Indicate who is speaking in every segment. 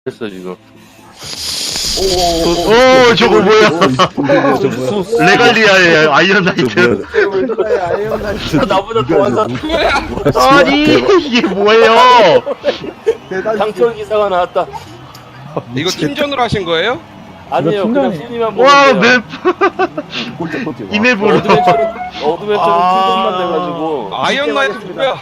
Speaker 1: 됐어 지금.
Speaker 2: 오 저거 뭐야? 레갈리아의 아이언 나이트.
Speaker 1: 나보다 더한 사람.
Speaker 2: 아니 이게 뭐예요?
Speaker 1: 강철 기사가 나왔다.
Speaker 3: 이거 팀전으로 하신 거예요?
Speaker 1: 아니에요, 그냥
Speaker 4: 팀장님.
Speaker 1: 순위만
Speaker 2: 와
Speaker 1: 보면 돼요.
Speaker 2: 맵. 이 맵으로.
Speaker 1: 어드벤처는 팀전만 돼가지고.
Speaker 3: 아이언 나이트 누구야?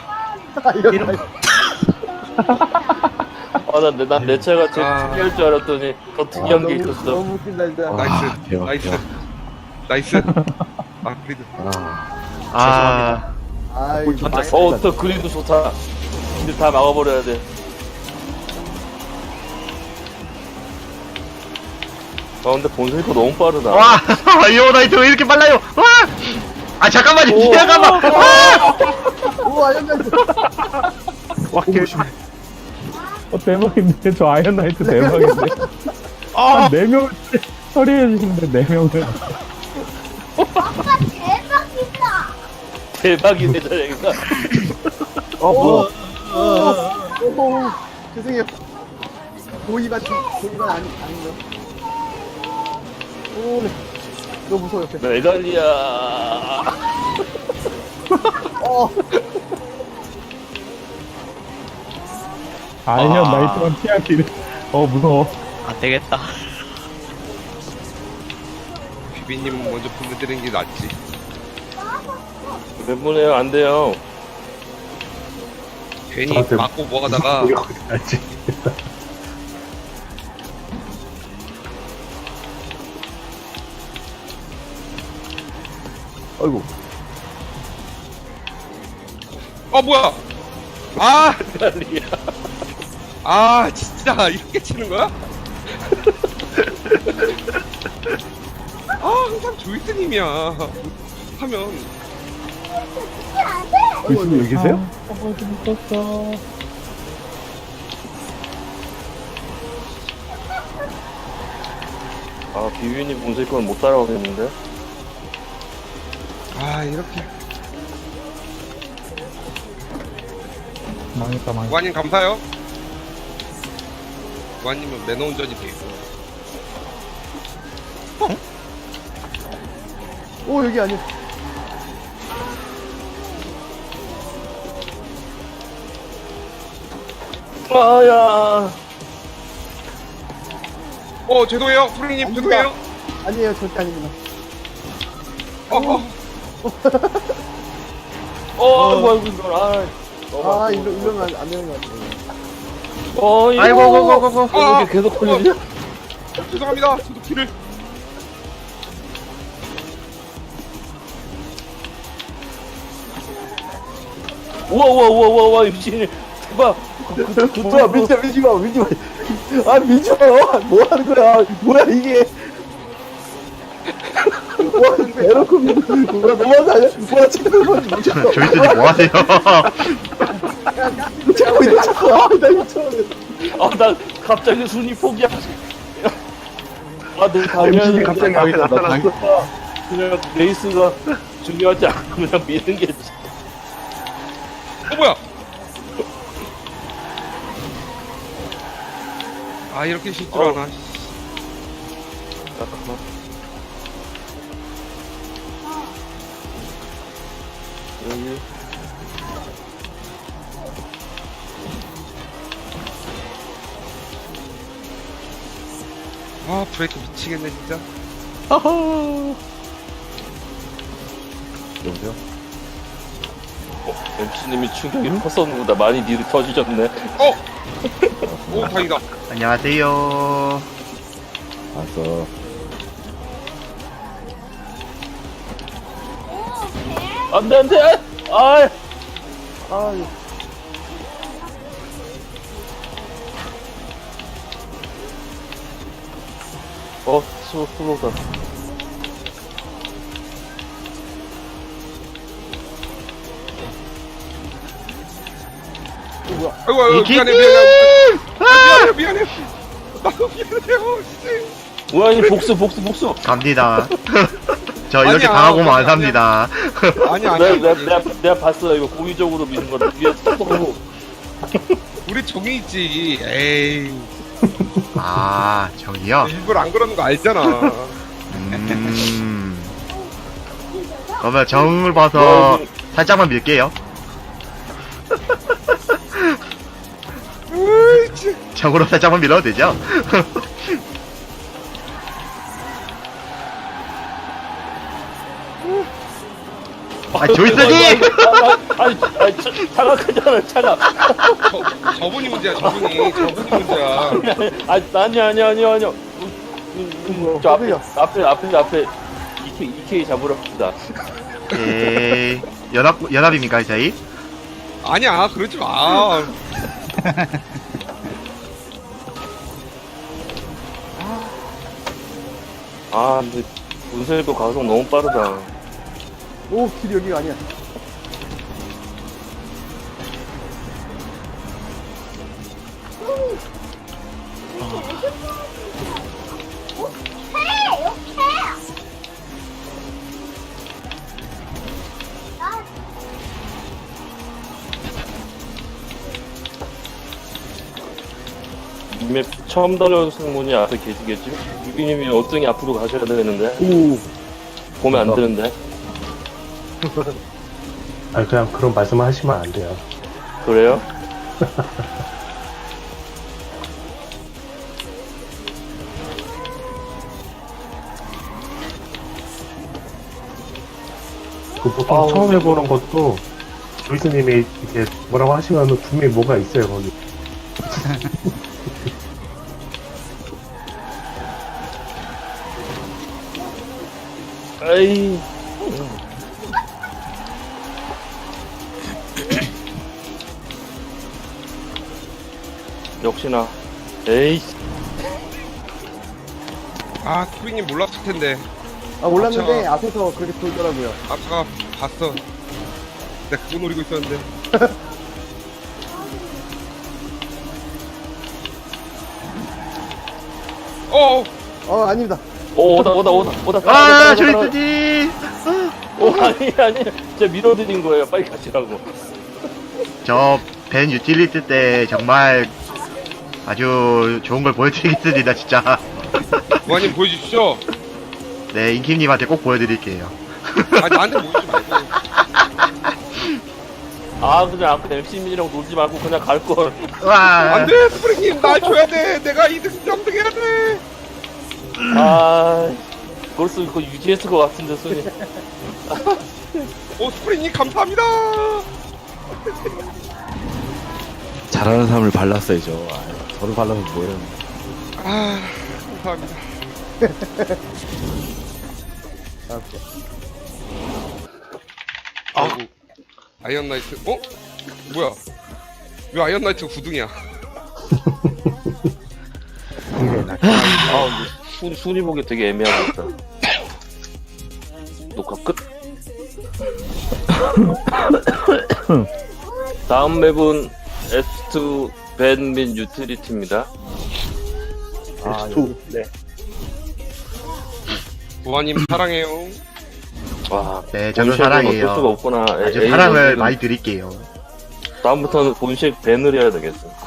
Speaker 1: 난 내 차가 제일
Speaker 3: 아.
Speaker 1: 특이할 줄 알았더니 더 특이한 게 있었어.
Speaker 5: 너무 웃긴다 진짜.
Speaker 3: 나이스
Speaker 4: 대박,
Speaker 3: 나이스
Speaker 4: 대박.
Speaker 3: 나이스 아 그래도
Speaker 2: 아
Speaker 5: 아 이거 많이
Speaker 1: 또 그림도 좋다. 근데 다 막아버려야 돼. 근데 본색이 너무 빠르다.
Speaker 2: 와 아이언 나이트 왜 이렇게 빨라요? 와. 아 잠깐만요.
Speaker 1: 오.
Speaker 2: 잠깐만. 와.
Speaker 5: 오 아이언나이트.
Speaker 4: 대박인데 저 아이언 나이트 대박인데.
Speaker 2: 아.
Speaker 4: 4명 처리해 주시는데 4명을.
Speaker 1: 대박이네 저래가.
Speaker 5: 오. 죄송해요. 고의만 아닌가? 오. 너무 무서워 옆에.
Speaker 1: 메갈리아.
Speaker 5: 어.
Speaker 4: 아이언 나이트만 피하기를. 무서워.
Speaker 3: 비비님 먼저 보내드리는 게 낫지.
Speaker 1: 몇 분이에요? 안 돼요.
Speaker 3: 괜히 맞고 뭐 하다가
Speaker 5: 아이고.
Speaker 3: 뭐야 아
Speaker 1: 메갈리아.
Speaker 3: 진짜 이렇게 치는 거야? 항상 조이스님이야 하면
Speaker 4: 교수님 여기 계세요?
Speaker 1: 비비님 본색 건 못 따라오겠는데?
Speaker 3: 이렇게
Speaker 4: 망했다.
Speaker 3: 무관님 감사요. 무관님은 매너 운전이 돼 있어.
Speaker 5: 오 여기 아니야.
Speaker 1: 아야.
Speaker 3: 죄송해요 프로님 죄송해요.
Speaker 5: 아니에요 절대 아닙니다.
Speaker 1: 뭐야 이거.
Speaker 5: 이러면 안 되는 것 같아요.
Speaker 2: 아이고 고고고고.
Speaker 1: 이게 계속 걸리냐?
Speaker 3: 죄송합니다 저도 키를
Speaker 1: 우와 미친이 대박.
Speaker 5: 뭐야 민지마. 아 민지마 뭐 하는 거야? 뭐야 이게? 와 대놓고 뭐야 너무하지 않냐? 뭐야 지금
Speaker 2: 조이스님 뭐 하세요?
Speaker 5: 자꾸 있다 자꾸 나 미쳐버려.
Speaker 1: 나 갑자기 순위 포기하지. 내
Speaker 5: MC님 갑자기 앞에 나타났어.
Speaker 1: 그냥 레이스가 중요하지 않고 그냥 미는 게.
Speaker 3: 뭐야 이렇게 실수하나.
Speaker 1: 잠깐만. 여기.
Speaker 3: 브레이크 미치겠네 진짜.
Speaker 4: 여보세요?
Speaker 1: MC님이 충격이 컸었는보다 많이 터지셨네.
Speaker 3: 다행이다.
Speaker 2: 안녕하세요.
Speaker 4: 왔어.
Speaker 1: 안돼. 아. 스로다.
Speaker 3: 아이고
Speaker 2: 이게-
Speaker 3: 미안해 나도 미안해요 씨.
Speaker 1: 뭐야 이 복수.
Speaker 2: 갑니다. 저 이렇게
Speaker 3: 아니야,
Speaker 2: 당하고만 안
Speaker 3: 아니야.
Speaker 2: 삽니다.
Speaker 3: 아니야
Speaker 1: 내가 봤어. 이거 고의적으로 미는 거다. 위에서 톡 하고.
Speaker 3: 우리 종이 있지. 에이
Speaker 2: 아, 저기요?
Speaker 3: 일부러 안 그러는 거 알잖아.
Speaker 2: 그러면 정을 봐서 살짝만 밀게요.
Speaker 3: 으이치.
Speaker 2: 정으로 살짝만 밀어도 되죠? 아, 조이스님!
Speaker 1: 아니, 차가 크잖아, 차가.
Speaker 3: 저분이 문제야, 저분이 문제야.
Speaker 1: 아니요. 저 앞에 EK 잡으러 갑시다.
Speaker 2: 에이, 연합입니까, 저희?
Speaker 3: 아니야, 그러지 마.
Speaker 1: 아, 근데 문세도 가속 너무 빠르다.
Speaker 5: 오, 길 여기가 아니야.
Speaker 1: 이맵 처음 달려오신 분이 앞에 계시겠지? 유비님이 어등이 앞으로 가셔야 되는데.
Speaker 5: 오.
Speaker 1: 보면 안 되는데.
Speaker 6: 아니 그냥 그런 말씀을 하시면 안 돼요.
Speaker 1: 그래요?
Speaker 6: 그 보통
Speaker 1: 아우,
Speaker 6: 처음 해보는 것도 조이스님이 이렇게 뭐라고 하시면 분명히 뭐가 있어요 거기.
Speaker 1: 에이. 역시나. 에이.
Speaker 3: 아, 스프링님 몰랐을 텐데.
Speaker 5: 아, 몰랐는데 앞에서 그렇게 돌더라고요.
Speaker 3: 아까 봤어. 내가 그거 노리고 있었는데.
Speaker 5: 아닙니다.
Speaker 1: 오다.
Speaker 2: 아, 조이스님!
Speaker 1: 아니. 제가 밀어드린 거예요. 빨리 가시라고.
Speaker 2: 저 벤 유틸리티 때 정말 아주 좋은 걸 보여드리겠습니다, 진짜.
Speaker 3: 부하님 보여주시죠.
Speaker 2: 네, 인킴님한테 꼭 보여드릴게요.
Speaker 3: 아, 나한테 보여주지 말고.
Speaker 1: 아, 그냥 아까 MC민이랑 놀지 말고 그냥 갈걸.
Speaker 2: 와,
Speaker 3: 안 돼, 스프링님, 날 줘야 돼. 내가 2등, 3등 해야 돼.
Speaker 1: 아, 벌써 그거 유지했을 것 같은데, 손이.
Speaker 3: 오, 스프링님, 감사합니다.
Speaker 7: 잘하는 사람을 발랐어야죠. 저를 발라서 뭐예요?
Speaker 3: 아, 감사합니다. 아이고, 아이언 나이트, 뭐야? 왜 아이언 나이트가 9등이야?
Speaker 1: 아, 근데 순위 보기 되게 애매하겠다. 녹화 끝. 다음 맵은 S2 밴민 유틸리티입니다.
Speaker 5: 네.
Speaker 3: 부하님, 사랑해요.
Speaker 1: 와,
Speaker 2: 네, 저도
Speaker 1: 본식은
Speaker 2: 사랑해요.
Speaker 1: 어쩔 수가 없구나.
Speaker 2: 아주
Speaker 1: 에이,
Speaker 2: 사랑을
Speaker 1: 이건
Speaker 2: 많이 드릴게요.
Speaker 1: 다음부터는 본식 밴을 해야 되겠어.